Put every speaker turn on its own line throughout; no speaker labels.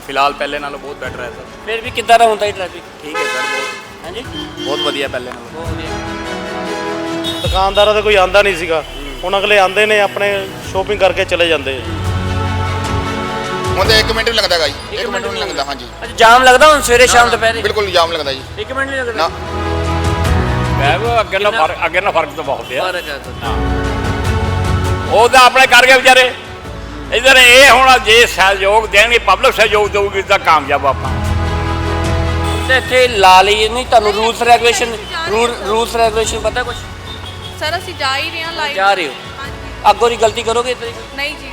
ਫਿਲਹਾਲ ਪਹਿਲੇ ਨਾਲੋਂ ਬਹੁਤ ਬੈਟਰ ਹੈ ਸਰ।
ਫਿਰ ਵੀ ਕਿੱਦਾਂ ਦਾ ਹੁੰਦਾ ਹੈ ਟ੍ਰੈਫਿਕ?
ਠੀਕ ਹੈ ਸਰ, ਬਹੁਤ
ਹਾਂਜੀ
ਬਹੁਤ ਵਧੀਆ ਪਹਿਲੇ ਨਾਲੋਂ।
ਬਹੁਤ ਵਧੀਆ।
ਦੁਕਾਨਦਾਰਾਂ ਦਾ ਕੋਈ ਆਂਦਾ ਨਹੀਂ ਸੀਗਾ, ਹੁਣ ਅਗਲੇ ਆਂਦੇ ਨੇ ਆਪਣੇ ਸ਼ੋਪਿੰਗ ਕਰਕੇ ਚਲੇ ਜਾਂਦੇ।
ਹੁਣ ਤਾਂ 1 ਮਿੰਟ ਵੀ ਲੱਗਦਾ ਹੈਗਾ ਜੀ, 1 ਮਿੰਟ ਵੀ ਨਹੀਂ ਲੱਗਦਾ। ਹਾਂਜੀ
ਅੱਛਾ, ਜਾਮ ਲੱਗਦਾ ਹੁਣ ਸਵੇਰੇ ਸ਼ਾਮ ਦੁਪਹਿਰੇ?
ਬਿਲਕੁਲ ਜਾਮ ਲੱਗਦਾ ਜੀ।
1 ਮਿੰਟ ਨਹੀਂ ਲੱਗਦਾ?
ਮੈਂ ਅੱਗੇ ਨਾਲ ਫਰਕ ਤਾਂ ਬਹੁਤ ਹੈ।
ਫਰਕ ਹੈ ਤਾਂ।
ਉਹ ਤਾਂ ਆਪਣੇ ਕਰ ਗਏ ਵਿਚਾਰੇ। ਇਧਰ ਇਹ ਹੁਣ ਜੇ ਸਹਿਯੋਗ ਦੇਣਗੇ, ਪਬਲਿਕ ਸਹਿਯੋਗ ਦੇਊਗੀ ਤਾਂ ਕਾਮਯਾਬ ਆਪਾਂ।
ਤੇ ਇੱਥੇ ਲਾ ਲਈ ਨਹੀਂ ਤੁਹਾਨੂੰ ਰੂਲਸ ਰੈਗੂਲੇਸ਼ਨ ਪਤਾ ਕੁਝ?
ਸਰ ਅਸੀਂ ਜਾ ਹੀ ਰਹੇ ਹਾਂ ਲਾਈਵ।
ਜਾ ਰਹੇ ਹੋ?
ਹਾਂਜੀ।
ਅੱਗੋਂ ਦੀ ਗਲਤੀ ਕਰੋਗੇ ਇੱਦਾਂ ਦੀ?
ਨਹੀਂ ਜੀ।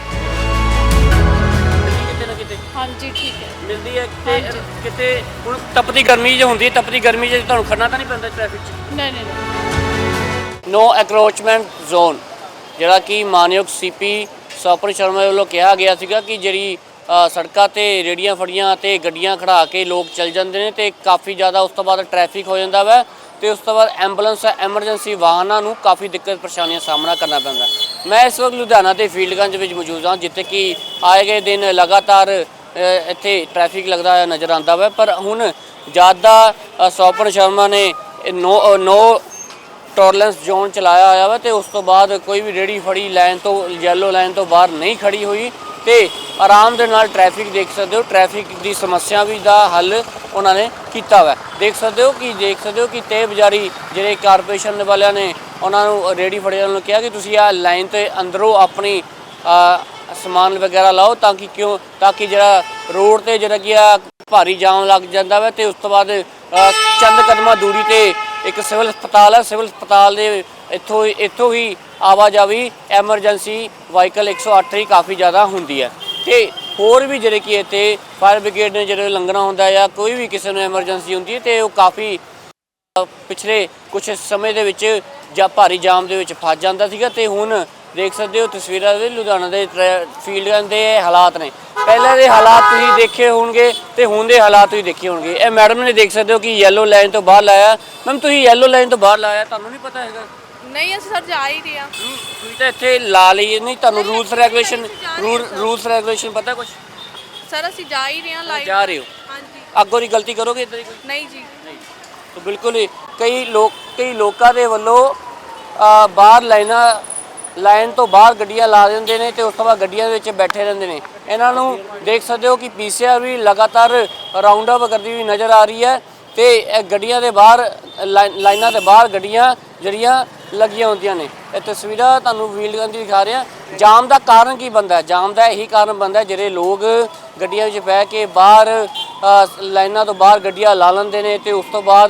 ਕਿਤੇ ਨਾ ਕਿਤੇ
ਹਾਂਜੀ ਠੀਕ ਹੈ।
ਮਿਲਦੀ ਹੈ ਕਿਤੇ ਹੁਣ ਤਪਦੀ ਗਰਮੀ ਜੇ ਹੁੰਦੀ ਹੈ, ਤਪਦੀ ਗਰਮੀ ਜੇ ਤੁਹਾਨੂੰ ਖੜਨਾ ਤਾਂ ਨਹੀਂ ਪੈਂਦਾ ਟ੍ਰੈਫਿਕ 'ਚ?
ਨਹੀਂ ਨਹੀਂ ਨਹੀਂ।
ਨੋ ਐਕਰੋਚਮੈਂਟ ਜ਼ੋਨ, ਜਿਹੜਾ ਕਿ ਮਾਨਯੋਗ ਸੀਪੀ ਸਵਪਨ ਸ਼ਰਮਾ ਵੱਲੋਂ ਕਿਹਾ ਗਿਆ ਸੀਗਾ ਕਿ ਜਿਹੜੀ ਸੜਕਾਂ ਤੇ ਰੇੜੀਆਂ ਫੜੀਆਂ ਤੇ ਗੱਡੀਆਂ ਖੜਾ ਕੇ ਲੋਕ ਚੱਲ ਜਾਂਦੇ ਨੇ ਤੇ ਕਾਫੀ ਜ਼ਿਆਦਾ ਉਸ ਤੋਂ ਬਾਅਦ ਟ੍ਰੈਫਿਕ ਹੋ ਜਾਂਦਾ ਵਾ ਤੇ ਉਸ ਤੋਂ ਬਾਅਦ ਐਂਬੂਲੈਂਸ ਐਮਰਜੈਂਸੀ ਵਾਹਨਾਂ ਨੂੰ ਕਾਫੀ ਦਿੱਕਤ ਪਰੇਸ਼ਾਨੀਆਂ ਦਾ ਸਾਹਮਣਾ ਕਰਨਾ ਪੈਂਦਾ। ਮੈਂ ਇਸ ਵਕਤ ਲੁਧਿਆਣਾ ਦੇ ਫੀਲਡਗੰਜ ਵਿੱਚ ਮੌਜੂਦ ਹਾਂ, ਜਿੱਥੇ ਕਿ ਆਏ ਗਏ ਦਿਨ ਲਗਾਤਾਰ ਇੱਥੇ ਟ੍ਰੈਫਿਕ ਲੱਗਦਾ ਹੋਇਆ ਨਜ਼ਰ ਆਉਂਦਾ ਵਾ। ਪਰ ਹੁਣ ਜਦ ਦਾ ਸਵਪਨ ਸ਼ਰਮਾ ਨੇ ਨੋ ਟੋਲਰੈਂਸ ਜ਼ੋਨ ਚਲਾਇਆ ਹੋਇਆ ਵਾ ਤੇ ਉਸ ਤੋਂ ਬਾਅਦ ਕੋਈ ਵੀ ਰੇੜੀ ਫੜੀ ਲਾਈਨ ਤੋਂ ਯੈਲੋ ਲਾਈਨ ਤੋਂ ਬਾਹਰ ਨਹੀਂ ਖੜੀ ਹੋਈ ਤੇ ਆਰਾਮ ਦੇ ਨਾਲ ਟ੍ਰੈਫਿਕ ਦੇਖ ਸਕਦੇ ਹੋ। ਟ੍ਰੈਫਿਕ ਦੀ ਸਮੱਸਿਆ ਵੀ ਦਾ ਹੱਲ ਉਹਨਾਂ ਨੇ ਕੀਤਾ ਵਾ। ਦੇਖ ਸਕਦੇ ਹੋ ਕਿ ਤੇਜ਼ ਬਜ਼ਾਰੀ ਜਿਹੜੇ ਕਾਰਪੋਰੇਸ਼ਨ ਵਾਲਿਆਂ ਨੇ ਉਹਨਾਂ ਨੂੰ ਰੇੜੀ ਫੜਿਆਂ ਨੂੰ ਕਿਹਾ ਕਿ ਤੁਸੀਂ ਆ ਲਾਈਨ ਤੇ ਅੰਦਰੋਂ ਆਪਣੀ ਸਮਾਨ ਵਗੈਰਾ ਲਾਓ ਤਾਂ ਕਿ ਜਿਹੜਾ ਰੋਡ ਤੇ ਜਿਹੜਾ ਕਿ ਆ ਭਾਰੀ ਜਾਮ ਲੱਗ ਜਾਂਦਾ ਵਾ ਤੇ ਉਸ ਤੋਂ ਬਾਅਦ ਚੰਦ ਕਦਮਾਂ ਦੂਰੀ ਤੇ ਇੱਕ ਸਿਵਲ ਹਸਪਤਾਲ ਹੈ। ਸਿਵਲ ਹਸਪਤਾਲ ਦੇ ਇੱਥੋਂ ਹੀ ਆਵਾਜਾਈ ਐਮਰਜੈਂਸੀ ਵਾਹੀਕਲ 108 ਹੀ ਕਾਫੀ ਜ਼ਿਆਦਾ ਹੁੰਦੀ ਹੈ ਤੇ ਹੋਰ ਵੀ ਜਿਹੜੇ ਕਿ ਇੱਥੇ ਫਾਇਰ ਬ੍ਰਿਗੇਡ ਨੇ ਜਿਹੜੇ ਲੰਘਣਾ ਹੁੰਦਾ ਜਾਂ ਕੋਈ ਵੀ ਕਿਸੇ ਨੂੰ ਐਮਰਜੈਂਸੀ ਹੁੰਦੀ ਹੈ ਤੇ ਉਹ ਕਾਫੀ ਪਿਛਲੇ ਕੁਝ ਸਮੇਂ ਦੇ ਵਿੱਚ ਜਾਂ ਭਾਰੀ ਜਾਮ ਦੇ ਵਿੱਚ ਫਸ ਜਾਂਦਾ ਸੀਗਾ ਤੇ ਹੁਣ ਦੇਖ ਸਕਦੇ ਹੋ ਤਸਵੀਰਾਂ ਦੇ ਲੁਧਿਆਣਾ ਦੇ ਫੀਲਡਾਂ ਦੇ ਹਾਲਾਤ ਨੇ। ਪਹਿਲਾਂ ਦੇ ਹਾਲਾਤ ਤੁਸੀਂ ਦੇਖੇ ਹੋਣਗੇ ਤੇ ਹੁਣ ਦੇ ਹਾਲਾਤ ਤੁਸੀਂ ਦੇਖੇ ਹੋਣਗੇ। ਇਹ ਮੈਡਮ ਨੇ ਦੇਖ ਸਕਦੇ ਹੋ ਕਿ ਯੈਲੋ ਲਾਈਨ ਤੋਂ ਬਾਹਰ ਲਾਇਆ। ਮੈਮ ਤੁਸੀਂ ਯੈਲੋ ਲਾਈਨ ਤੋਂ ਬਾਹਰ ਲਾਇਆ, ਤੁਹਾਨੂੰ ਨਹੀਂ ਪਤਾ ਹੈਗਾ?
ਨਹੀਂ ਅਸੀਂ ਸਰ ਜਾ ਹੀ ਰਹੇ ਹਾਂ।
ਤੁਸੀਂ ਤਾਂ ਇੱਥੇ ਲਾ ਲਈ ਨਹੀਂ, ਤੁਹਾਨੂੰ ਰੂਲਸ ਰੈਗੂਲੇਸ਼ਨ ਪਤਾ ਕੁਝ?
ਸਰ ਅਸੀਂ ਜਾ ਹੀ ਰਹੇ ਹਾਂ ਲਾਈਵ।
ਜਾ ਰਹੇ ਹੋ?
ਹਾਂਜੀ।
ਅੱਗੋਂ ਦੀ ਗਲਤੀ ਕਰੋਗੇ ਇੱਦਾਂ ਦੀ ਕੋਈ?
ਨਹੀਂ ਜੀ।
ਨਹੀਂ ਤਾਂ ਬਿਲਕੁਲ ਹੀ ਕਈ ਲੋਕਾਂ ਦੇ ਵੱਲੋਂ ਬਾਹਰ ਲਾਈਨ ਤੋਂ ਬਾਹਰ ਗੱਡੀਆਂ ਲਾ ਦਿੰਦੇ ਨੇ ਤੇ ਉਸ ਤੋਂ ਬਾਅਦ ਗੱਡੀਆਂ ਦੇ ਵਿੱਚ ਬੈਠੇ ਰਹਿੰਦੇ ਨੇ। ਇਹਨਾਂ ਨੂੰ ਦੇਖ ਸਕਦੇ ਹੋ ਕਿ ਪੀਸੀਆਰ ਵੀ ਲਗਾਤਾਰ ਰਾਉਂਡ ਅਪ ਕਰਦੀ ਹੋਈ ਨਜ਼ਰ ਆ ਰਹੀ ਹੈ ਤੇ ਇਹ ਗੱਡੀਆਂ ਦੇ ਬਾਹਰ ਲਾਈਨਾਂ ਦੇ ਬਾਹਰ ਗੱਡੀਆਂ ਜਿਹੜੀਆਂ ਲੱਗੀਆਂ ਹੁੰਦੀਆਂ ਨੇ। ਇਹ ਤਸਵੀਰਾਂ ਤੁਹਾਨੂੰ ਫੀਲਡਗੰਜ ਦੀ ਦਿਖਾ ਰਿਹਾ। ਜਾਮ ਦਾ ਕਾਰਨ ਕੀ ਬਣਦਾ? ਜਾਮ ਦਾ ਇਹੀ ਕਾਰਨ ਬਣਦਾ ਜਿਹੜੇ ਲੋਕ ਗੱਡੀਆਂ ਵਿੱਚ ਬਹਿ ਕੇ ਬਾਹਰ ਲਾਈਨਾਂ ਤੋਂ ਬਾਹਰ ਗੱਡੀਆਂ ਲਾ ਲੈਂਦੇ ਨੇ ਤੇ ਉਸ ਤੋਂ ਬਾਅਦ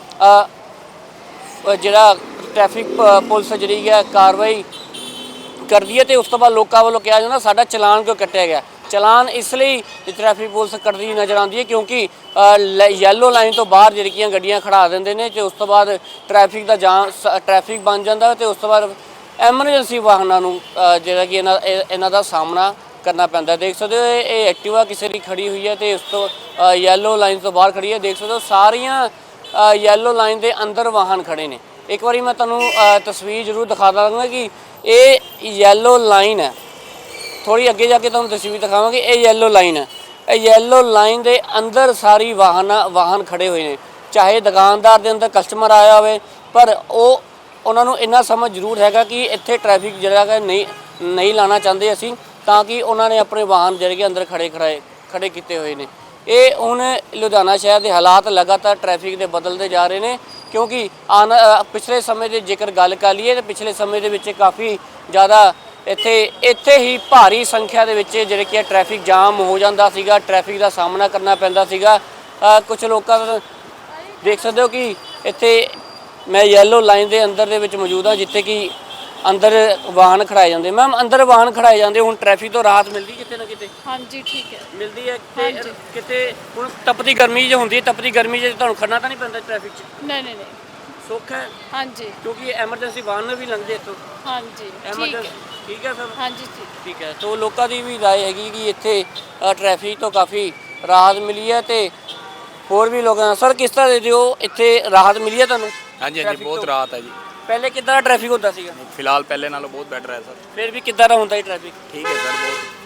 ਜਿਹੜਾ ਟ੍ਰੈਫਿਕ ਪੁਲਿਸ ਜਿਹੜੀ ਹੈ ਕਾਰਵਾਈ ਕਰਦੀ ਹੈ ਤੇ ਉਸ ਤੋਂ ਬਾਅਦ ਲੋਕਾਂ ਵੱਲੋਂ ਕਿਹਾ ਜਾਂਦਾ ਸਾਡਾ ਚਲਾਨ ਕਿਉਂ ਕੱਟਿਆ ਗਿਆ। ਚਲਾਨ ਇਸ ਲਈ ਟ੍ਰੈਫਿਕ ਪੁਲਿਸ ਕੱਟਦੀ ਨਜ਼ਰ ਆਉਂਦੀ ਹੈ ਕਿਉਂਕਿ ਯੈਲੋ ਲਾਈਨ ਤੋਂ ਬਾਹਰ ਜਿਹੜੀਆਂ ਗੱਡੀਆਂ ਖੜਾ ਦਿੰਦੇ ਨੇ ਤੇ ਉਸ ਤੋਂ ਬਾਅਦ ਟ੍ਰੈਫਿਕ ਬਣ ਜਾਂਦਾ ਤੇ ਉਸ ਤੋਂ ਬਾਅਦ ਐਮਰਜੈਂਸੀ ਵਾਹਨਾਂ ਨੂੰ ਜਿਹੜਾ ਕਿ ਇਹਨਾਂ ਦਾ ਸਾਹਮਣਾ ਕਰਨਾ ਪੈਂਦਾ। ਦੇਖ ਸਕਦੇ ਹੋ ਇਹ ਐਕਟਿਵਾ ਕਿਸੇ ਦੀ ਖੜੀ ਹੋਈ ਹੈ ਤੇ ਉਸ ਤੋਂ ਯੈਲੋ ਲਾਈਨ ਤੋਂ ਬਾਹਰ ਖੜੀ ਹੈ। ਦੇਖ ਸਕਦੇ ਹੋ ਸਾਰੀਆਂ ਯੈਲੋ ਲਾਈਨ ਦੇ ਅੰਦਰ ਵਾਹਨ ਖੜੇ ਨੇ। ਇੱਕ ਵਾਰੀ ਮੈਂ ਤੁਹਾਨੂੰ ਤਸਵੀਰ ਜ਼ਰੂਰ ਦਿਖਾ ਦਾਂਗਾ ਕਿ ਇਹ ਯੈਲੋ ਲਾਈਨ ਹੈ। ਥੋੜੀ ਅੱਗੇ ਜਾ ਕੇ ਤੁਹਾਨੂੰ ਤਸਵੀਰ ਦਿਖਾਵਾਂਗੇ। ਇਹ ਯੈਲੋ ਲਾਈਨ ਹੈ। ਇਹ ਯੈਲੋ ਲਾਈਨ ਦੇ ਅੰਦਰ ਸਾਰੀ ਵਾਹਨ ਖੜੇ ਹੋਏ ਨੇ। ਚਾਹੇ ਦੁਕਾਨਦਾਰ ਦੇ ਅੰਦਰ ਕਸਟਮਰ ਆਇਆ ਹੋਵੇ ਪਰ ਉਹਨਾਂ ਨੂੰ ਇੰਨਾ ਸਮਝ ਜ਼ਰੂਰ ਹੈਗਾ ਕਿ ਇੱਥੇ ਟ੍ਰੈਫਿਕ ਜਿਹੜਾ ਹੈ ਨਹੀਂ ਲਾਣਾ ਚਾਹੁੰਦੇ ਅਸੀਂ, ਤਾਂ ਕਿ ਉਹਨਾਂ ਨੇ ਆਪਣੇ ਵਾਹਨ ਜਿਹੜੇ ਕਿ ਅੰਦਰ ਖੜੇ ਕੀਤੇ ਹੋਏ ਨੇ। ਇਹ ਹੁਣ ਲੁਧਿਆਣਾ ਸ਼ਹਿਰ ਦੇ ਹਾਲਾਤ ਲਗਾਤਾਰ ਟ੍ਰੈਫਿਕ ਦੇ ਬਦਲਦੇ ਜਾ ਰਹੇ ਨੇ ਕਿਉਂਕਿ ਪਿਛਲੇ ਸਮੇਂ ਦੇ ਜੇਕਰ ਗੱਲ ਕਰ ਲਈਏ ਤਾਂ ਪਿਛਲੇ ਸਮੇਂ ਦੇ ਵਿੱਚ ਕਾਫੀ ਜ਼ਿਆਦਾ ਇੱਥੇ ਹੀ ਭਾਰੀ ਸੰਖਿਆ ਦੇ ਵਿੱਚ ਜਿਹੜੇ ਕਿ ਟ੍ਰੈਫਿਕ ਜਾਮ ਹੋ ਜਾਂਦਾ ਸੀਗਾ, ਟ੍ਰੈਫਿਕ ਦਾ ਸਾਹਮਣਾ ਕਰਨਾ ਪੈਂਦਾ ਸੀਗਾ। ਕੁਝ ਲੋਕਾਂ ਦਾ ਦੇਖ ਸਕਦੇ ਹੋ ਕਿ ਇੱਥੇ ਮੈਂ ਯੈਲੋ ਲਾਈਨ ਦੇ ਅੰਦਰ ਦੇ ਵਿੱਚ ਮੌਜੂਦ ਹਾਂ ਜਿੱਥੇ ਕਿ ਅੰਦਰ ਵਾਹਨ ਖੜਾਏ ਜਾਂਦੇ। ਮੈਮ ਅੰਦਰ ਵਾਹਨ ਖੜਾਏ ਜਾਂਦੇ, ਹੁਣ ਟ੍ਰੈਫਿਕ ਤੋਂ ਰਾਹਤ ਮਿਲਦੀ ਕਿਤੇ ਨਾ ਕਿਤੇ?
ਹਾਂਜੀ ਠੀਕ ਹੈ।
ਮਿਲਦੀ ਹੈ ਕਿਤੇ ਹੁਣ ਤਪਦੀ ਗਰਮੀ ਜੇ ਹੁੰਦੀ ਹੈ, ਤਪਦੀ ਗਰਮੀ ਜੇ ਤੁਹਾਨੂੰ ਖੜਨਾ ਤਾਂ ਨਹੀਂ ਪੈਂਦਾ ਟ੍ਰੈਫਿਕ 'ਚ?
ਨਹੀਂ ਨਹੀਂ ਨਹੀਂ।
ਸੁੱਖ ਹੈ?
ਹਾਂਜੀ
ਕਿਉਂਕਿ ਐਮਰਜੈਂਸੀ ਵਾਹਨ ਵੀ ਲੰਘਦੇ ਇੱਥੋਂ।
ਹਾਂਜੀ
ਠੀਕ ਹੈ ਸਰ।
ਹਾਂਜੀ
ਠੀਕ ਹੈ। ਤੋ ਲੋਕਾਂ ਦੀ ਵੀ ਰਾਏ ਹੈਗੀ ਕਿ ਇੱਥੇ ਟ੍ਰੈਫਿਕ ਤੋਂ ਕਾਫੀ ਰਾਹਤ ਮਿਲੀ ਹੈ ਤੇ ਹੋਰ ਵੀ ਲੋਕਾਂ ਸਰ ਕਿਸ ਤਰ੍ਹਾਂ ਦੇ ਦਿਓ ਇੱਥੇ ਰਾਹਤ ਮਿਲੀ ਹੈ ਤੁਹਾਨੂੰ?
ਹਾਂਜੀ ਹਾਂਜੀ, ਬਹੁਤ ਰਾਹਤ ਹੈ ਜੀ।
ਪਹਿਲੇ ਕਿੱਦਾਂ ਦਾ ਟ੍ਰੈਫਿਕ ਹੁੰਦਾ ਸੀਗਾ?
ਫਿਲਹਾਲ ਪਹਿਲੇ ਨਾਲੋਂ ਬਹੁਤ ਬੈਟਰ ਹੈ ਸਰ।
ਫਿਰ ਵੀ ਕਿੱਦਾਂ ਦਾ ਹੁੰਦਾ ਹੈ ਟ੍ਰੈਫਿਕ?
ਠੀਕ ਹੈ ਸਰ, ਬਹੁਤ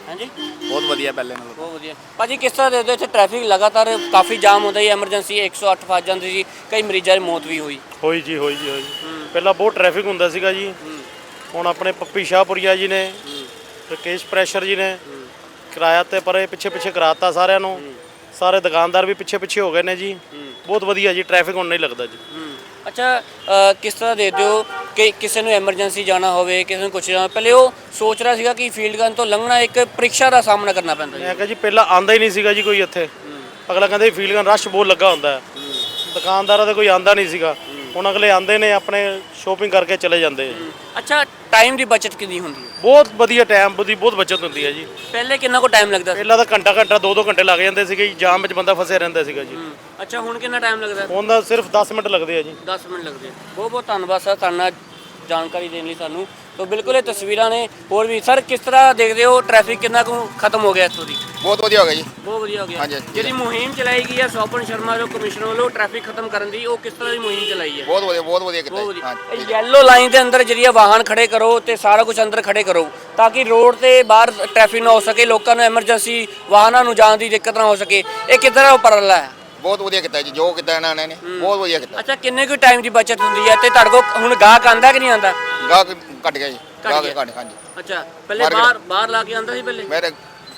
ਹਾਂਜੀ
ਬਹੁਤ ਵਧੀਆ ਪਹਿਲੇ ਨਾਲੋਂ।
ਬਹੁਤ ਵਧੀਆ ਭਾਜੀ। ਕਿਸ ਤਰ੍ਹਾਂ ਦੇਖਦੇ ਹੋ ਇੱਥੇ ਟ੍ਰੈਫਿਕ ਲਗਾਤਾਰ ਕਾਫੀ ਜਾਮ ਹੁੰਦਾ ਜੀ, ਐਮਰਜੈਂਸੀ 108 ਫਸ ਜਾਂਦੀ ਸੀ, ਕਈ ਮਰੀਜ਼ਾਂ ਦੀ ਮੌਤ ਵੀ ਹੋਈ।
ਹੋਈ ਜੀ ਪਹਿਲਾਂ ਬਹੁਤ ਟ੍ਰੈਫਿਕ ਹੁੰਦਾ ਸੀਗਾ ਜੀ। ਹੁਣ ਆਪਣੇ ਪੱਪੀ ਸ਼ਾਹਪੁਰੀਆ ਜੀ ਨੇ, ਰਕੇਸ਼ ਪ੍ਰੈਸ਼ਰ ਜੀ ਨੇ ਕਿਰਾਇਆ ਤੇ ਪਰੇ ਪਿੱਛੇ ਕਰਾਤਾ ਸਾਰਿਆਂ ਨੂੰ। ਸਾਰੇ ਦੁਕਾਨਦਾਰ ਵੀ ਪਿੱਛੇ ਹੋ ਗਏ ਨੇ ਜੀ। ਬਹੁਤ ਵਧੀਆ ਜੀ, ਟ੍ਰੈਫਿਕ ਹੁਣ ਨਹੀਂ ਲੱਗਦਾ ਜੀ।
ਅੱਛਾ, ਕਿਸ ਤਰ੍ਹਾਂ ਦੇਖਦੇ ਹੋ ਕਿ ਕਿਸੇ ਨੂੰ ਐਮਰਜੈਂਸੀ ਜਾਣਾ ਹੋਵੇ, ਕਿਸੇ ਨੂੰ ਕੁਛ ਜਾਣਾ, ਪਹਿਲੇ ਉਹ ਸੋਚ ਰਿਹਾ ਸੀਗਾ ਕਿ ਫੀਲਡ ਗਨ ਤੋਂ ਲੰਘਣਾ ਇੱਕ ਪ੍ਰੀਖਿਆ ਦਾ ਸਾਹਮਣਾ ਕਰਨਾ ਪੈਂਦਾ
ਮੈਂ ਕਿਹਾ ਜੀ ਪਹਿਲਾਂ ਆਂਦਾ ਹੀ ਨਹੀਂ ਸੀਗਾ ਜੀ ਕੋਈ ਇੱਥੇ। ਅਗਲਾ ਕਹਿੰਦੇ ਫੀਲਡ ਗਨ ਰਸ਼ ਬਹੁਤ ਲੱਗਾ ਹੁੰਦਾ ਹੈ। ਦੁਕਾਨਦਾਰਾਂ ਦਾ ਕੋਈ ਆਂਦਾ ਨਹੀਂ ਸੀਗਾ। ਹੁਣ ਅਗਲੇ ਆਂਦੇ ਨੇ, ਆਪਣੇ ਸ਼ੋਪਿੰਗ ਕਰਕੇ ਚਲੇ ਜਾਂਦੇ ਆ ਜੀ।
ਅੱਛਾ, ਟਾਈਮ ਦੀ ਬਚਤ ਕਿੰਨੀ ਹੁੰਦੀ ਹੈ?
ਬਹੁਤ ਵਧੀਆ, ਟਾਈਮ ਦੀ ਬਹੁਤ ਬਚਤ ਹੁੰਦੀ ਹੈ ਜੀ।
ਪਹਿਲੇ ਕਿੰਨਾ ਕੁ ਟਾਈਮ ਲੱਗਦਾ ਸੀ?
ਪਹਿਲਾਂ ਤਾਂ ਘੰਟਾ 2 ਘੰਟੇ ਲੱਗ ਜਾਂਦੇ ਸੀਗੇ ਜੀ, ਜਾਮ ਵਿੱਚ ਬੰਦਾ ਫਸਿਆ ਰਹਿੰਦਾ ਸੀਗਾ ਜੀ।
ਅੱਛਾ, ਹੁਣ ਕਿੰਨਾ ਟਾਈਮ ਲੱਗਦਾ?
ਹੁਣ ਤਾਂ ਸਿਰਫ 10 ਮਿੰਟ ਲੱਗਦੇ ਆ ਜੀ।
10 ਮਿੰਟ ਲੱਗਦੇ ਆ। ਬਹੁਤ ਬਹੁਤ ਧੰਨਵਾਦ ਸਰ ਤੁਹਾਡੇ ਨਾਲ ਜਾਣਕਾਰੀ ਦੇਣ ਲਈ ਸਾਨੂੰ। ਤਾਂ ਬਿਲਕੁਲ ਇਹ ਤਸਵੀਰਾਂ ਨੇ। ਹੋਰ ਵੀ ਸਰ ਕਿਸ ਤਰ੍ਹਾਂ ਦੇਖਦੇ ਹੋ ਟ੍ਰੈਫਿਕ ਕਿੰਨਾ ਕੁ ਖਤਮ ਹੋ ਗਿਆ ਇੱਥੋਂ ਦੀ?
ਬਹੁਤ ਵਧੀਆ ਹੋ ਗਿਆ ਜੀ।
ਬਹੁਤ ਵਧੀਆ ਹੋ ਗਿਆ।
ਹਾਂਜੀ।
ਜਿਹੜੀ ਮੁਹਿੰਮ ਚਲਾਈ ਗਈ ਹੈ ਸੋਪਨ ਸ਼ਰਮਾ ਜੋ ਕਮਿਸ਼ਨਰ ਵੱਲੋਂ ਟ੍ਰੈਫਿਕ ਖਤਮ ਕਰਨ ਦੀ, ਉਹ ਕਿਸ ਤਰ੍ਹਾਂ ਦੀ ਮੁਹਿੰਮ ਚਲਾਈ ਹੈ?
ਬਹੁਤ ਵਧੀਆ ਕੀਤਾ
ਬਹੁਤ
ਜੀ।
ਵਧੀਆ।
ਹਾਂ
ਇਹ ਯੈਲੋ ਲਾਈਨ ਦੇ ਅੰਦਰ ਜਿਹੜੀ ਵਾਹਨ ਖੜੇ ਕਰੋ ਤੇ ਸਾਰਾ ਕੁਝ ਅੰਦਰ ਖੜੇ ਕਰੋ ਤਾਂ ਕਿ ਰੋਡ ਤੇ ਬਾਹਰ ਟ੍ਰੈਫਿਕ ਨਾ ਹੋ ਸਕੇ, ਲੋਕਾਂ ਨੂੰ ਐਮਰਜੈਂਸੀ ਵਾਹਨਾਂ ਨੂੰ ਜਾਣ ਦੀ ਦਿੱਕਤ ਨਾ ਹੋ ਸਕੇ। ਇਹ ਕਿੱਦਾਂ ਉਪਰਾਲਾ ਹੈ?
ਬਹੁਤ ਵਧੀਆ ਕੀਤਾ ਜੀ, ਜੋ ਕੀਤਾ ਇਹਨਾਂ ਨੇ ਬਹੁਤ ਵਧੀਆ ਕੀਤਾ।
ਅੱਛਾ, ਕਿੰਨੇ ਕੁ ਟਾਈਮ ਦੀ ਬਚਤ ਹੁੰਦੀ ਹੈ ਤੇ ਤੁਹਾਡੇ ਕੋਲ ਹੁਣ ਗਾਹਕ ਆਂਦਾ ਕਿ ਨਹੀਂ ਆਂਦਾ?
ਗਾਹਕ ਘਟ ਗਿਆ ਜੀ। ਗਾਹਕ
ਗਿਆ।
ਘਟ, ਹਾਂਜੀ।
ਅੱਛਾ, ਪਹਿਲੇ ਬਾਹਰ ਲਾ ਕੇ ਆਂਦਾ ਸੀ ਪਹਿਲੇ?
ਮੇਰੇ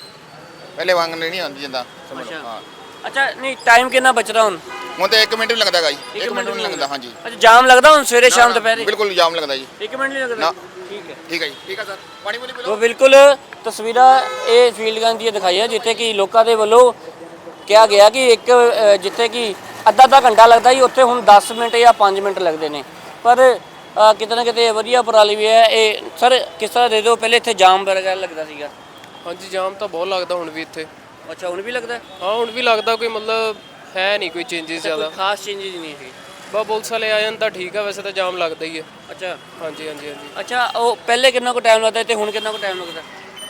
ਪਹਿਲੇ ਵਾਂਗ ਨਹੀਂ ਆਉਂਦੀ ਜਾਂਦਾ ਸਮਝ ਲਓ। ਹਾਂ
ਅੱਛਾ, ਨਹੀਂ ਟਾਈਮ ਕਿੰਨਾ ਬਚਦਾ ਹੁਣ?
ਹੁਣ ਤਾਂ 1 ਮਿੰਟ ਵੀ ਲੱਗਦਾ ਜੀ। 1 ਮਿੰਟ ਵੀ ਨਹੀਂ ਲੱਗਦਾ। ਹਾਂਜੀ।
ਅੱਛਾ, ਜਾਮ ਲੱਗਦਾ ਹੁਣ ਸਵੇਰੇ ਸ਼ਾਮ ਦੁਪਹਿਰੇ?
ਬਿਲਕੁਲ ਜਾਮ ਲੱਗਦਾ ਜੀ।
1 ਮਿੰਟ ਨਹੀਂ ਲੱਗਦਾ?
ਨਾ।
ਠੀਕ ਹੈ।
ਠੀਕ ਹੈ ਜੀ। ਠੀਕ ਹੈ ਸਰ, ਪਾਣੀ ਪੂਣੀ ਪੀ
ਤੋ
ਲਓ।
ਬਿਲਕੁਲ ਤਸਵੀਰਾਂ ਇਹ ਫੀਲਡ ਗਨ ਦੀਆਂ ਦਿਖਾਈਆਂ ਜਿੱਥੇ ਕਿ ਲੋਕਾਂ ਦੇ ਵੱਲੋਂ ਕਿਹਾ ਗਿਆ ਕਿ ਜਿੱਥੇ ਕਿ ਅੱਧਾ ਘੰਟਾ ਲੱਗਦਾ ਜੀ, ਉੱਥੇ ਹੁਣ 10 ਮਿੰਟ ਜਾਂ 5 ਮਿੰਟ ਲੱਗਦੇ ਨੇ। ਪਰ ਕਿਤੇ ਨਾ ਕਿਤੇ ਵਧੀਆ ਉਪਰਾਲੀ ਵੀ ਹੈ ਇਹ। ਸਰ ਕਿਸ ਤਰ੍ਹਾਂ ਦੇ ਦਿਓ, ਪਹਿਲੇ ਇੱਥੇ ਜਾਮ ਵਗੈਰਾ ਲੱਗਦਾ ਸੀਗਾ?
ਹਾਂਜੀ, ਜਾਮ ਤਾਂ ਬਹੁਤ ਲੱਗਦਾ ਹੁਣ ਵੀ ਇੱਥੇ।
ਅੱਛਾ, ਹੁਣ ਵੀ ਲੱਗਦਾ?
ਹਾਂ, ਹੁਣ ਵੀ ਲੱਗਦਾ। ਕੋਈ ਮਤਲਬ ਹੈ ਨਹੀਂ ਕੋਈ ਚੇਂਜਸ ਜ਼ਿਆਦਾ।
ਕੋਈ ਖਾਸ ਚੇਂਜਸ ਨਹੀਂ ਹੈ?
ਬਸ ਪੁਲਿਸ ਵਾਲੇ ਆ ਜਾਣ ਤਾਂ ਠੀਕ ਆ, ਵੈਸੇ ਤਾਂ ਜਾਮ ਲੱਗਦਾ ਹੀ ਹੈ।
ਅੱਛਾ।
ਹਾਂਜੀ।
ਅੱਛਾ, ਉਹ ਪਹਿਲੇ ਕਿੰਨਾ ਕੁ ਟਾਈਮ ਲੱਗਦਾ ਤੇ ਹੁਣ ਕਿੰਨਾ ਕੁ ਟਾਈਮ ਲੱਗਦਾ?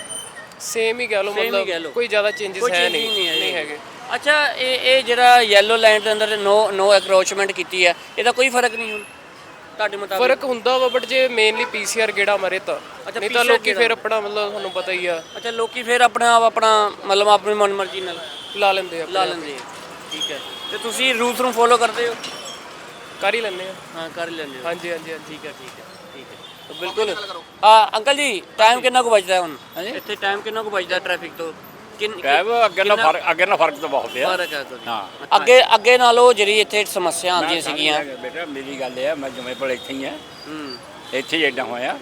ਸੇਮ ਹੀ ਕਹਿ ਲਓ,
Same ਹੀ ਕਹਿ ਲਓ।
ਮਤਲਬ ਕੋਈ ਜ਼ਿਆਦਾ ਚੇਂਜਸ ਹੈ ਨਹੀਂ ਹੈਗੇ।
ਅੱਛਾ, ਇਹ ਜਿਹੜਾ ਯੈਲੋ ਲਾਈਨ ਦੇ ਅੰਦਰ ਨੋ ਐਕਰੋਚਮੈਂਟ ਕੀਤੀ ਹੈ, ਇਹਦਾ ਕੋਈ ਫਰਕ ਨਹੀਂ ਹੁਣ ਤੁਹਾਡੇ ਮੁਤਾਬਿਕ?
ਫਰਕ ਹੁੰਦਾ ਵਾ, ਬਟ ਜੇ ਮੇਨਲੀ ਪੀਸੀਆਰ ਗੇੜਾ ਮਾਰੇ ਤਾਂ। ਨਹੀਂ ਤਾਂ
PCR
ਲੋਕੀ ਫਿਰ ਆਪਣਾ ਮਤਲਬ ਤੁਹਾਨੂੰ ਪਤਾ ਹੀ ਆ
ਅੱਛਾ, ਲੋਕੀ ਫਿਰ ਆਪਣਾ ਮਤਲਬ ਆਪਣੀ ਮਨਮਰਜ਼ੀ ਨਾਲ
ਲਾ ਲੈਂਦੇ ਆ।
ਲਾ ਲੈਂਦੇ ਆ। ਠੀਕ ਹੈ। ਤੇ ਤੁਸੀਂ ਰੂਲਸ ਨੂੰ ਫੋਲੋ ਕਰਦੇ ਹੋ?
ਕਰ ਹੀ ਲੈਂਦੇ ਆ।
ਹਾਂ, ਕਰ ਹੀ ਲੈਂਦੇ ਹੋ।
ਹਾਂਜੀ।
ਠੀਕ ਹੈ। ਤਾਂ ਬਿਲਕੁਲ। ਅੰਕਲ ਜੀ, ਟਾਈਮ ਕਿੰਨਾ ਕੁ ਬਚਦਾ ਹੁਣ ਇੱਥੇ? ਟਾਈਮ ਕਿੰਨਾ ਕੁ ਬਚਦਾ ਟ੍ਰੈਫਿਕ ਤੋਂ?
ਅੱਗੇ ਨਾਲ ਫਰਕ ਤਾਂ ਬਹੁਤ ਆ।
ਫਰਕ ਹੈ ਕੋਈ?
ਹਾਂ।
ਅੱਗੇ ਨਾਲੋਂ ਜਿਹੜੀ ਇੱਥੇ ਸਮੱਸਿਆ ਆਉਂਦੀਆਂ ਸੀਗੀਆਂ।
ਬੇਟਾ ਮੇਰੀ ਗੱਲ ਇਹ ਆ, ਮੈਂ ਜੁਮੇਪੁਰ ਇੱਥੇ ਹੀ ਆ।
ਹੂੰ।
ਇੱਥੇ ਹੀ ਐਡਾ ਹੋਇਆ।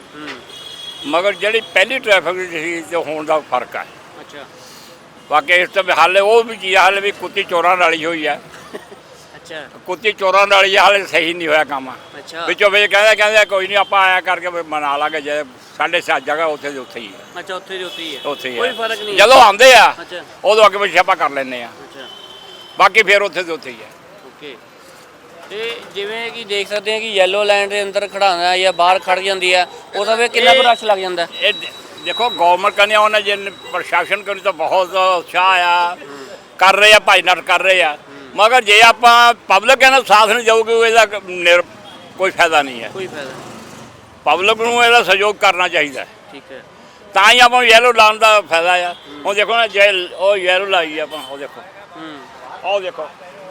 ਮਗਰ ਜਿਹੜੀ ਪਹਿਲੀ ਟ੍ਰੈਫਿਕ ਸੀ ਤੇ ਹੁਣ ਦਾ ਫਰਕ ਆ।
ਅੱਛਾ।
ਬਾਕੀ ਇਸ ਤੋਂ ਹਾਲੇ ਉਹ ਵੀ ਚੀਜ਼ ਹਾਲੇ ਵੀ ਕੁੱਤੀ ਚੋਰਾਂ ਨਾਲ ਹੀ ਹੋਈ ਆ।
ਅੱਛਾ।
ਕੁੱਤੀ ਚੋਰਾਂ ਨਾਲ ਹੀ ਹਾਲੇ ਸਹੀ ਨਹੀਂ ਹੋਇਆ ਕੰਮ।
ਅੱਛਾ।
ਵਿੱਚੋਂ ਵਿੱਚ ਕਹਿੰਦੇ ਕੋਈ ਨਹੀਂ ਆਪਾਂ ਆਇਆ ਕਰਕੇ ਮਨਾ ਲਾਂਗੇ। ਜੇ 7:30 ਜਗ੍ਹਾ ਉੱਥੇ ਦੀ ਉੱਥੇ ਹੀ ਆ।
ਅੱਛਾ, ਉੱਥੇ ਦੀ ਉੱਥੇ ਹੀ ਹੈ?
ਉੱਥੇ ਹੀ
ਕੋਈ
ਆ।
ਫਰਕ ਨਹੀਂ?
ਜਦੋਂ ਆਉਂਦੇ ਆ
ਅੱਛਾ।
ਉਦੋਂ ਅੱਗੇ ਪਿੱਛੇ ਆਪਾਂ ਕਰ ਲੈਂਦੇ ਆ।
ਅੱਛਾ।
ਬਾਕੀ ਫਿਰ ਉੱਥੇ ਦੀ ਉੱਥੇ ਹੀ ਆ।
ਓਕੇ। ਤੇ ਜਿਵੇਂ ਕਿ ਦੇਖ ਸਕਦੇ ਹਾਂ ਕਿ ਯੈਲੋ ਲਾਈਨ ਦੇ ਅੰਦਰ ਖੜਾਉਣਾ ਜਾਂ ਬਾਹਰ ਖੜ ਜਾਂਦੀ ਆ, ਉਹਦਾ ਵੇ ਕਿੰਨਾ ਕੁ ਰਸ਼ ਲੱਗ ਜਾਂਦਾ?
ਇਹ ਦੇਖੋ ਗਵਰਨਮੈਂਟ ਕਹਿੰਦੇ ਉਹਨਾਂ ਜੇ ਪ੍ਰਸ਼ਾਸਨ ਕੋਲ ਤਾਂ ਬਹੁਤ ਉਤਸ਼ਾਹ ਆ, ਕਰ ਰਹੇ ਆ, ਭਾਈ ਨਾਲ ਕਰ ਰਹੇ ਆ। ਮਗਰ ਜੇ ਆਪਾਂ ਪਬਲਿਕ ਇਹਨਾਂ ਸਾਥ ਨਹੀਂ ਜਾਊਗੀ ਇਹਦਾ ਕੋਈ ਫਾਇਦਾ ਨਹੀਂ ਹੈ।
ਕੋਈ ਫਾਇਦਾ?
ਪਬਲਿਕ ਨੂੰ ਇਹਦਾ ਸਹਿਯੋਗ ਕਰਨਾ ਚਾਹੀਦਾ।
ਠੀਕ ਹੈ।
ਤਾਂ ਹੀ ਆਪਾਂ ਯੈਲੋ ਲਾਉਣ ਦਾ ਫਾਇਦਾ ਆ। ਹੁਣ ਦੇਖੋ ਨਾ ਉਹ ਯੈਲੋ ਲਾਈ ਆਪਾਂ, ਉਹ ਦੇਖੋ, ਉਹ ਦੇਖੋ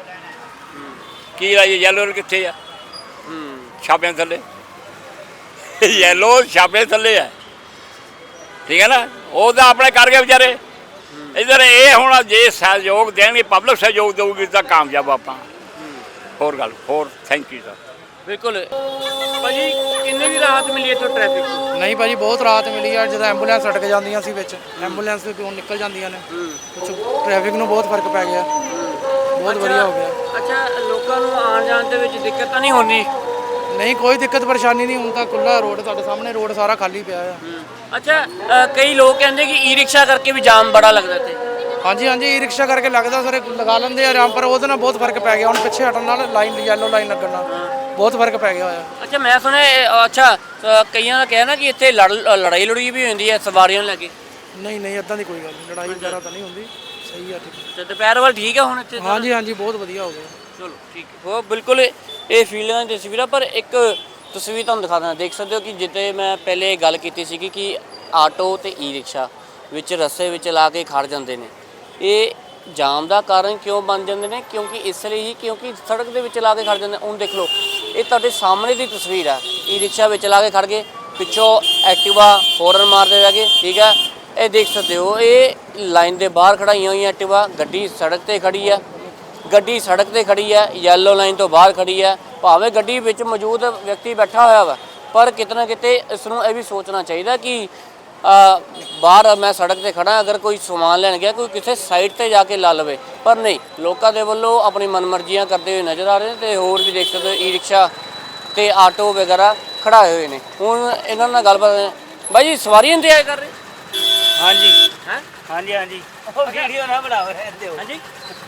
ਕੀ ਲਾਈ ਯੈਲੋ ਕਿੱਥੇ ਆ? ਛਾਪਿਆਂ ਥੱਲੇ। ਯੈਲੋ ਛਾਪੇ ਥੱਲੇ ਆ। ਠੀਕ ਹੈ ਨਾ, ਉਹ ਤਾਂ ਆਪਣੇ ਕਰ ਗਏ ਵਿਚਾਰੇ। ਇਧਰ ਇਹ ਹੁਣ ਜੇ ਸਹਿਯੋਗ ਦੇਣਗੇ, ਪਬਲਿਕ ਸਹਿਯੋਗ ਦੇਊਗੀ ਤਾਂ ਕਾਮਯਾਬ ਆਪਾਂ। ਹੋਰ ਥੈਂਕ ਯੂ ਸਰ।
ਬਿਲਕੁਲ ਭਾਜੀ, ਕਿੰਨੇ ਵੀ ਰਾਹਤ ਮਿਲੀ ਇੱਥੋਂ ਟ੍ਰੈਫਿਕ ਤੋਂ?
ਨਹੀਂ ਭਾਜੀ, ਬਹੁਤ ਰਾਹਤ ਮਿਲੀ ਆ। ਜਦੋਂ ਐਂਬੂਲੈਂਸ ਅਟਕ ਜਾਂਦੀਆਂ ਸੀ ਵਿੱਚ, ਐਂਬੂਲੈਂਸ ਵੀ ਕਿਉਂ ਨਿਕਲ ਜਾਂਦੀਆਂ ਨੇ। ਕੁਛ ਟ੍ਰੈਫਿਕ ਨੂੰ ਬਹੁਤ ਫਰਕ ਪੈ ਗਿਆ, ਬਹੁਤ ਵਧੀਆ ਹੋ ਗਿਆ।
ਅੱਛਾ, ਲੋਕਾਂ ਨੂੰ ਆਉਣ ਜਾਣ ਦੇ ਵਿੱਚ ਦਿੱਕਤ ਤਾਂ ਨਹੀਂ ਹੁੰਦੀ?
ਨਹੀਂ, ਕੋਈ ਦਿੱਕਤ ਪਰੇਸ਼ਾਨੀ ਨਹੀਂ। ਹੁਣ ਤਾਂ ਖੁੱਲਾ ਰੋਡ, ਤੁਹਾਡੇ ਸਾਹਮਣੇ ਰੋਡ ਸਾਰਾ ਖਾਲੀ ਪਿਆ ਆ।
ਅੱਛਾ, ਕਈ ਲੋਕ ਕਹਿੰਦੇ ਕਿ ਈ ਰਿਕਸ਼ਾ ਕਰਕੇ ਵੀ ਜਾਮ ਬੜਾ ਲੱਗਦਾ ਇੱਥੇ।
ਹਾਂਜੀ, ਈ ਰਿਕਸ਼ਾ ਕਰਕੇ ਲੱਗਦਾ ਸਰ, ਲਗਾ ਲੈਂਦੇ ਆ ਆਰਾਮ, ਪਰ ਉਹਦੇ ਨਾਲ ਬਹੁਤ ਫਰਕ ਪੈ ਗਿਆ। ਹੁਣ ਪਿੱਛੇ ਹਟਣ ਨਾਲ ਲਾਈਨ, ਯੈਲੋ ਲਾਈਨ ਲੱਗਣ ਨਾਲ ਬਹੁਤ ਫਰਕ ਪੈ ਗਿਆ ਹੋਇਆ।
ਅੱਛਾ, ਮੈਂ ਸੁਣਿਆ ਕਈਆਂ ਦਾ ਕਹਿਣਾ ਕਿ ਇੱਥੇ ਲੜਾਈ ਲੜੂਈ ਵੀ ਹੁੰਦੀ ਹੈ ਸਵਾਰੀਆਂ ਨੂੰ ਲੈ ਕੇ।
ਨਹੀਂ, ਇੱਦਾਂ ਦੀ ਕੋਈ ਗੱਲ ਨਹੀਂ, ਲੜਾਈ ਵਗੈਰਾ ਤਾਂ ਨਹੀਂ ਹੁੰਦੀ। ਸਹੀ ਆ, ਠੀਕ।
ਅੱਛਾ, ਦੁਪਹਿਰ ਵੱਲ ਠੀਕ ਆ ਹੁਣ ਇੱਥੇ?
ਹਾਂਜੀ, ਬਹੁਤ ਵਧੀਆ ਹੋ ਗਿਆ।
ਚਲੋ ਠੀਕ ਹੈ। ਉਹ ਬਿਲਕੁਲ ਇਹ ਫੀਲਡਾਂ ਦੀ ਤਸਵੀਰਾਂ। ਪਰ ਇੱਕ ਤਸਵੀਰ ਤੁਹਾਨੂੰ ਦਿਖਾ ਦਿੰਦਾ, ਦੇਖ ਸਕਦੇ ਹੋ ਕਿ ਜਿੱਥੇ ਮੈਂ ਪਹਿਲੇ ਗੱਲ ਕੀਤੀ ਸੀਗੀ ਕਿ ਆਟੋ ਤੇ ਈ ਰਿਕਸ਼ਾ, ਵਿੱਚ ਰਸਤੇ ਵਿੱਚ ਲਾ ਕੇ ਖੜ ਜਾਂਦੇ ਨੇ। ਇਹ ਜਾਮ ਦਾ ਕਾਰਨ ਕਿਉਂ ਬਣ ਜਾਂਦੇ ਨੇ? ਕਿਉਂਕਿ ਇਸ ਲਈ ਹੀ, ਕਿਉਂਕਿ ਸੜਕ ਦੇ ਵਿੱਚ ਲਾ ਕੇ ਖੜ ਜਾਂਦੇ। ਹੁਣ ਦੇਖ ਲਓ, ਇਹ ਤੁਹਾਡੇ ਸਾਹਮਣੇ ਦੀ ਤਸਵੀਰ ਹੈ। ਈ ਰਿਕਸ਼ਾ ਵਿੱਚ ਲਾ ਕੇ ਖੜ ਗਏ, ਪਿੱਛੋਂ ਐਕਟਿਵਾ ਹੌਰਨ ਮਾਰਦੇ ਰਹਿ ਗਏ, ਠੀਕ ਹੈ। ਇਹ ਦੇਖ ਸਕਦੇ ਹੋ, ਇਹ ਲਾਈਨ ਦੇ ਬਾਹਰ ਖੜਾਈਆਂ ਹੋਈਆਂ ਐਕਟਿਵਾ, ਗੱਡੀ ਸੜਕ ਤੇ ਖੜੀ ਹੈ, ਗੱਡੀ ਸੜਕ ਤੇ ਖੜੀ ਹੈ, ਯੈਲੋ ਲਾਈਨ ਤੋਂ ਬਾਹਰ ਖੜੀ ਹੈ। ਭਾਵੇਂ ਗੱਡੀ ਵਿੱਚ ਮੌਜੂਦ ਵਿਅਕਤੀ ਬੈਠਾ ਹੋਇਆ ਵਾ, ਪਰ ਕਿਤੇ ਨਾ ਕਿਤੇ ਇਸ ਨੂੰ ਇਹ ਵੀ ਸੋਚਣਾ ਚਾਹੀਦਾ ਕਿ ਬਾਹਰ ਮੈਂ ਸੜਕ ਤੇ ਖੜਾ, ਅਗਰ ਕੋਈ ਸਮਾਨ ਲੈਣ ਗਿਆ, ਕੋਈ ਕਿਸੇ ਸਾਈਡ ਤੇ ਜਾ ਕੇ ਲਾ ਲਵੇ। ਪਰ ਨਹੀਂ, ਲੋਕਾਂ ਦੇ ਵੱਲੋਂ ਆਪਣੀ ਮਨਮਰਜ਼ੀਆਂ ਕਰਦੇ ਹੋਏ ਨਜ਼ਰ ਆ ਰਹੇ ਨੇ। ਤੇ ਹੋਰ ਵੀ ਦੇਖ ਸਕਦੇ ਹੋ, ਈ ਰਿਕਸ਼ਾ ਤੇ ਆਟੋ ਵਗੈਰਾ ਖੜਾਏ ਹੋਏ ਨੇ। ਹੁਣ ਇਹਨਾਂ ਨਾਲ ਗੱਲਬਾਤ, ਬਾਈ ਜੀ ਸਵਾਰੀ ਇੰਤਜ਼ਾਰ ਕਰ ਰਹੇ?
ਹਾਂਜੀ
ਹੈ
ਹਾਂਜੀ ਹਾਂਜੀ ਉਹ ਵੀਡੀਓ ਨਾ ਬਣਾਓ ਰਹਿੰਦੇ ਹੋ।
ਹਾਂਜੀ,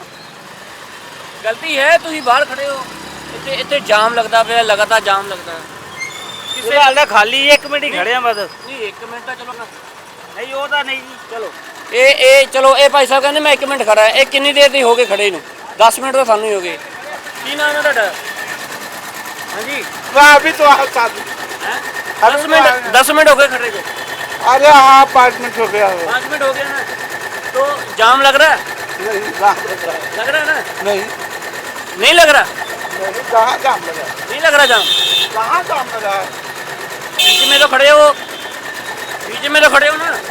ਗਲਤੀ ਹੈ, ਤੁਸੀਂ ਬਾਹਰ ਖੜੇ ਹੋ, ਇੱਥੇ ਜਾਮ ਲੱਗਦਾ ਪਿਆ, ਲਗਾਤਾਰ ਜਾਮ ਲੱਗਦਾ ਹੈ।
ਕਿਸੇ ਹਾਲ ਦਾ ਖਾਲੀ 1 ਮਿੰਟ ਹੀ ਖੜੇ ਆ ਬਸ।
ਨਹੀਂ 1 ਮਿੰਟ ਤਾਂ ਚਲੋ
ਨਹੀਂ ਉਹ ਤਾਂ ਨਹੀਂ ਜੀ। ਚਲੋ
ਚਲੋ ਇਹ ਭਾਈ ਸਾਹਿਬ ਕਹਿੰਦੇ ਮੈਂ 1 ਮਿੰਟ ਖੜਾ। ਇਹ ਕਿੰਨੀ ਦੇਰ ਦੀ ਹੋ ਗਏ ਖੜੇ ਨੂੰ? 10 ਮਿੰਟ ਤਾਂ ਸਾਨੂੰ ਹੀ ਹੋ ਗਏ। ਕੀ ਨਾਮ ਹੈ ਤੁਹਾਡਾ? ਹਾਂਜੀ
वाह अभी तो आप साथ
10 मिनट हो गए खड़े को।
अरे हाँ 5 मिनट हो गया है
5 मिनट हो गया ना, तो जाम लग रहा है?
नहीं जाम लग रहा है
लग रहा है ना?
नहीं
नहीं लग रहा?
नहीं कहाँ जाम लगा है
नहीं लग रहा जाम?
कहाँ जाम लगा है
बीच में तो खड़े हो, बीच में तो खड़े हो ना।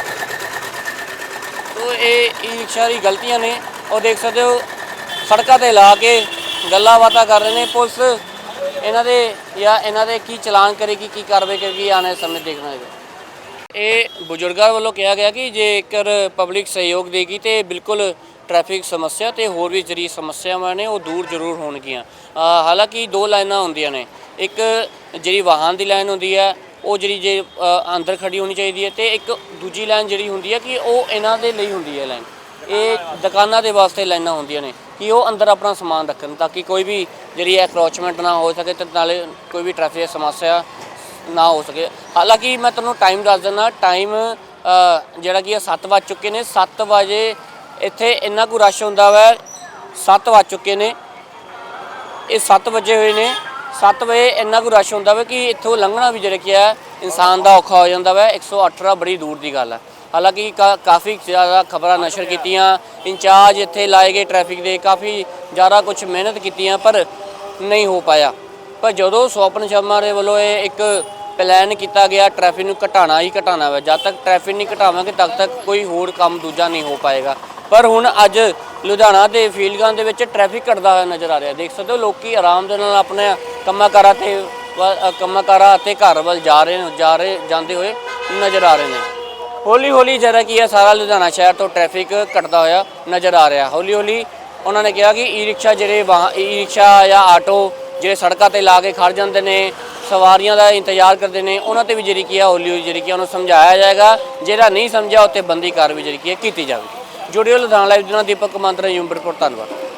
तो ये ई रिक्शा की गलतियां ने। और देख सकते हो सड़कों ते ला के गल्लां बातां कर रहे हैं। पुलिस ਇਹਨਾਂ ਦੇ ਕੀ ਚਲਾਨ ਕਰੇਗੀ, ਕੀ ਕਾਰਵਾਈ ਕਰੇਗੀ, ਆਉਣ ਵਾਲੇ ਸਮੇਂ ਦੇਖਣਾ ਹੋਵੇਗਾ। ਇਹ ਬਜ਼ੁਰਗਾਂ ਵੱਲੋਂ ਕਿਹਾ ਗਿਆ ਕਿ ਜੇਕਰ ਪਬਲਿਕ ਸਹਿਯੋਗ ਦੇਗੀ ਤੇ ਬਿਲਕੁਲ ਟ੍ਰੈਫਿਕ ਸਮੱਸਿਆ ਤੇ ਹੋਰ ਵੀ ਜਿਹੜੀ ਸਮੱਸਿਆਵਾਂ ਨੇ ਉਹ ਦੂਰ ਜ਼ਰੂਰ ਹੋਣਗੀਆਂ। ਹਾਲਾਂਕਿ 2 ਲਾਈਨਾਂ ਹੁੰਦੀਆਂ ਨੇ, ਇੱਕ ਜਿਹੜੀ ਵਾਹਨ ਦੀ ਲਾਈਨ ਹੁੰਦੀ ਹੈ ਉਹ ਜਿਹੜੀ ਜੇ ਅੰਦਰ ਖੜੀ ਹੋਣੀ ਚਾਹੀਦੀ ਹੈ, ਤੇ ਇੱਕ ਦੂਜੀ ਲਾਈਨ ਜਿਹੜੀ ਹੁੰਦੀ ਹੈ ਕਿ ਉਹ ਇਹਨਾਂ ਦੇ ਲਈ ਹੁੰਦੀ ਹੈ ਲਾਈਨ। ਇਹ ਦੁਕਾਨਾਂ ਦੇ ਵਾਸਤੇ ਲਾਈਨਾਂ ਹੁੰਦੀਆਂ ਨੇ ਕਿ ਉਹ ਅੰਦਰ ਆਪਣਾ ਸਮਾਨ ਰੱਖਣ, ਤਾਂ ਕਿ ਕੋਈ ਵੀ ਜਿਹੜੀ ਐਕਰੋਚਮੈਂਟ ਨਾ ਹੋ ਸਕੇ ਤੇ ਨਾਲੇ ਕੋਈ ਵੀ ਟ੍ਰੈਫਿਕ ਸਮੱਸਿਆ ਨਾ ਹੋ ਸਕੇ। ਹਾਲਾਂਕਿ ਮੈਂ ਤੁਹਾਨੂੰ ਟਾਈਮ ਦੱਸ ਦਿੰਦਾ, ਟਾਈਮ ਜਿਹੜਾ ਕਿ 7 ਵੱਜ ਚੁੱਕੇ ਨੇ। 7 ਵਜੇ ਇੱਥੇ ਇੰਨਾ ਕੁ ਰਸ਼ ਹੁੰਦਾ ਵਾ, 7 ਵੱਜ ਚੁੱਕੇ ਨੇ, ਇਹ 7 ਵਜੇ ਹੋਏ ਨੇ। 7 ਵਜੇ ਇੰਨਾ ਕੁ ਰਸ਼ ਹੁੰਦਾ ਵਾ ਕਿ ਇੱਥੋਂ ਲੰਘਣਾ ਵੀ ਜਿਹੜਾ ਕਿ ਹੈ ਇਨਸਾਨ ਦਾ ਔਖਾ ਹੋ ਜਾਂਦਾ ਵਾ। 118 ਬੜੀ ਦੂਰ ਦੀ ਗੱਲ ਹੈ। ਹਾਲਾਂਕਿ ਕਾਫੀ ਜ਼ਿਆਦਾ ਖਬਰਾਂ ਨਸ਼ਰ ਕੀਤੀਆਂ, ਇੰਚਾਰਜ ਇੱਥੇ ਲਾਏ ਗਏ ਟ੍ਰੈਫਿਕ ਦੇ, ਕਾਫੀ ਜ਼ਿਆਦਾ ਕੁਝ ਮਿਹਨਤ ਕੀਤੀਆਂ, ਪਰ ਨਹੀਂ ਹੋ ਪਾਇਆ। ਪਰ ਜਦੋਂ ਸਵਪਨ ਸ਼ਰਮਾ ਦੇ ਵੱਲੋਂ ਇਹ ਇੱਕ ਪਲਾਨ ਕੀਤਾ ਗਿਆ ਟ੍ਰੈਫਿਕ ਨੂੰ ਘਟਾਉਣਾ ਹੀ ਘਟਾਉਣਾ ਵਾ, ਜਦ ਤੱਕ ਟ੍ਰੈਫਿਕ ਨਹੀਂ ਘਟਾਵਾਂਗੇ ਤਦ ਤੱਕ ਕੋਈ ਹੋਰ ਕੰਮ ਦੂਜਾ ਨਹੀਂ ਹੋ ਪਾਏਗਾ। ਪਰ ਹੁਣ ਅੱਜ ਲੁਧਿਆਣਾ ਦੇ ਫੀਲਡਾਂ ਦੇ ਵਿੱਚ ਟ੍ਰੈਫਿਕ ਘਟਦਾ ਹੋਇਆ ਨਜ਼ਰ ਆ ਰਿਹਾ। ਦੇਖ ਸਕਦੇ ਹੋ ਲੋਕੀ ਆਰਾਮ ਦੇ ਨਾਲ ਆਪਣੇ ਕੰਮਾਂ ਕਾਰਾਂ ਅਤੇ ਘਰ ਵੱਲ ਜਾਂਦੇ ਹੋਏ ਨਜ਼ਰ ਆ ਰਹੇ ਨੇ। ਹੌਲੀ ਹੌਲੀ ਜਿਹੜਾ ਕੀ ਹੈ ਸਾਰਾ ਲੁਧਿਆਣਾ ਸ਼ਹਿਰ ਤੋਂ ਟ੍ਰੈਫਿਕ ਘਟਦਾ ਹੋਇਆ ਨਜ਼ਰ ਆ ਰਿਹਾ। ਹੌਲੀ ਹੌਲੀ ਉਹਨਾਂ ਨੇ ਕਿਹਾ ਕਿ ਈ ਰਿਕਸ਼ਾ ਜਾਂ ਆਟੋ ਜਿਹੜੇ ਸੜਕਾਂ ਤੇ ਲਾ ਕੇ ਖੜ ਜਾਂਦੇ ਨੇ, ਸਵਾਰੀਆਂ ਦਾ ਇੰਤਜ਼ਾਰ ਕਰਦੇ ਨੇ, ਉਹਨਾਂ ਤੇ ਵੀ ਜਿਹੜੀ ਕੀ ਹੈ ਹੌਲੀ ਹੌਲੀ ਜਿਹੜੀ ਕੀ ਉਹਨੂੰ ਸਮਝਾਇਆ ਜਾਏਗਾ। ਜਿਹੜਾ ਨਹੀਂ ਸਮਝਿਆ ਉੱਤੇ ਬੰਦੀ ਕਾਰਵਾਈ ਜਿਹੜੀ ਕੀ ਹੈ ਕੀਤੀ ਜਾਵੇਗੀ। ਜੁੜਿਓ ਲੁਧਿਆਣਾ ਲਾਈਵ ਦੇ ਨਾਲ ਦੀਪਕ ਕਮਾਂਤਰਾ, ਯੂਮ ਰਿਪੋਰਟ। ਧੰਨਵਾਦ।